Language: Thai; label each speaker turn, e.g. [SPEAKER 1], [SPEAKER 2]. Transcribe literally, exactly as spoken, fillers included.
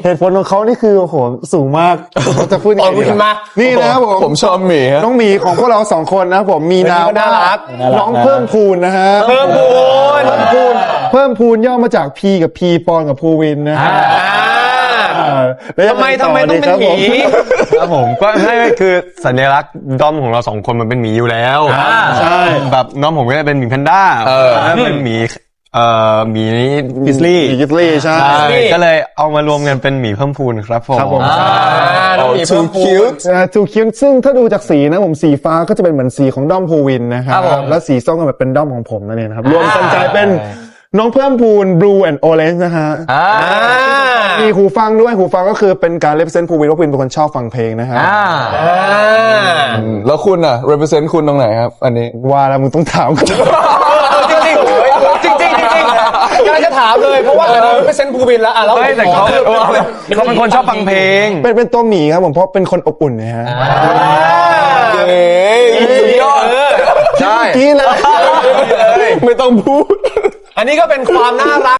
[SPEAKER 1] เหตุผลของเขานี่คือโอ้โหสูงมากเขาจะพูดยังไงดีครับนี่นะครับผม
[SPEAKER 2] ผมชอบหมีฮะ
[SPEAKER 1] น้องหมีของพวกเราสองคนนะผมมีนามว่าน้องเพิ่มพูนนะฮะ
[SPEAKER 3] เพิ่มพูน
[SPEAKER 1] เพิ่มพูนเพิ่มพูนย่อมาจาก P กับ P ปอนกับภูวินนะฮะแล้วยัง
[SPEAKER 3] ทำไมทำไมต้องเป็นหมี
[SPEAKER 4] ครับผมก็ให้คือสัญลักษณ์ด้อมของเราสองคนมันเป็นหมีอยู่แล้วใช่แบบน้องผมก็จะเป็นหมีแพนด้าแล้วเป็นหมีเอ่อหมีกิสลี่
[SPEAKER 1] หมีกิสลี่ใช่
[SPEAKER 4] ก็เลยเอามารวมกันเป็นหมีเพิ่มพูนครับผม
[SPEAKER 1] ครับผม
[SPEAKER 3] น้องหมีเพิ่มพูน
[SPEAKER 1] ทูคิวซึ่งถ้าดูจากสีนะผมสีฟ้าก็จะเป็นเหมือนสีของด้อมภูวินนะครับ
[SPEAKER 3] ครับผม
[SPEAKER 1] แล้วสีส้มก็แบบเป็นด้อมของผมนั่นเองนะครับรวมกันกลายเป็นน้องเพิ่มพูน Blue and Orange นะฮะมีหูฟังด้วยหูฟังก็คือเป็นการ represent ภูวินว่าภูวินเป็นคนชอบฟังเพลงนะฮะ
[SPEAKER 2] แล้วคุณอ่ะ represent คุณตรงไหนครับ อันนี้
[SPEAKER 1] ว่าแล้วมึงต้องถามกู
[SPEAKER 3] จริงจริงจริงจริงจริงจริงกำลังจะถามเลยเพราะว่าอันนี้เป็นเซนต์ภูวินแล้วอ่ะแล้ว
[SPEAKER 4] เฮ้ยแต่เขาเขาเป็นคนชอบฟังเพลง
[SPEAKER 1] เป็นเป็นตัวหมีครับผมเพราะเป็นคนอบอุ่นนะฮะ
[SPEAKER 2] เฮ้ยสุดยอดใช่
[SPEAKER 1] กี้เลย
[SPEAKER 2] ไม่ต้องพูด
[SPEAKER 3] อันนี้ก็เป็นความน่ารัก